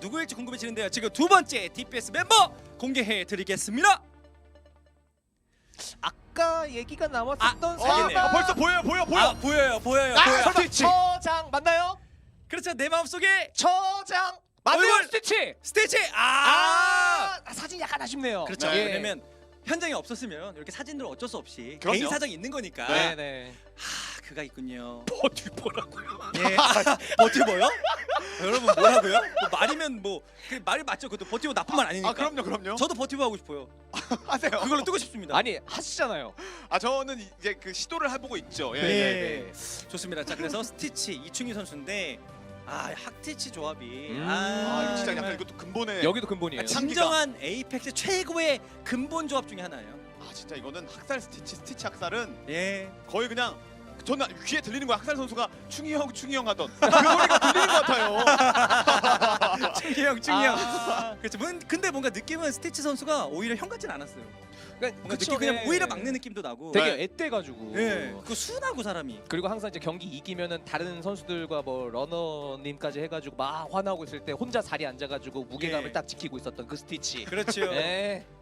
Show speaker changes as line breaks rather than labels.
누구일지 궁금해지는데요. 지금 두 번째 DPS 멤버 공개해 드리겠습니다.
아까 얘기가 나왔었던
알겠네요.
벌써 보여요.
아, 보여요.
스티치.
처장 맞나요?
그렇죠. 내 마음속에
처장 맞네요.
얼굴!
스티치.
스티치.
사진 약간 아쉽네요.
그렇죠.
네.
왜냐면 현장에 없었으면 이렇게 사진들 어쩔 수 없이
그럼요.
개인 사정이 있는 거니까.
네네.
그가 있군요.
버튜버라고요.
예. 버티버요? 여러분 뭐라고요? 뭐 말이면 그 말이 맞죠. 그것도 버티버 나쁜 말 아니니까.
아 그럼요.
저도 버티버 하고 싶어요.
하세요.
그걸로 뜨고 싶습니다.
아니 하시잖아요.
아 저는 이제 그 시도를 해보고 있죠.
예. 좋습니다. 자 그래서 스티치 이충희 선수인데 학티치 조합이
아 이거 진짜
정말
약간 이것도 근본에.
여기도 근본이에요.
아,
진정한 에이펙스 최고의 근본 조합 중에 하나예요.
아 진짜 이거는 학살 스티치 학살은
예.
거의 그냥 저는 귀에 들리는 거야. 학살 선수가 충희 형 하던 그 소리가 들리는 것 같아요.
충희 형. 그렇죠. 근데 뭔가 느낌은 스티치 선수가 오히려 형 같진 않았어요.
그러니까
뭔가
그쵸,
느낌 그냥
예.
오히려 막는 느낌도 나고.
되게
네.
앳돼가지고.
예. 그 순하고 사람이.
그리고 항상 이제 경기 이기면은 다른 선수들과 뭐 러너님까지 해가지고 막 화나고 있을 때 혼자 자리에 앉아가지고 무게감을
예.
딱 지키고 있었던 그 스티치.
그렇죠.
예.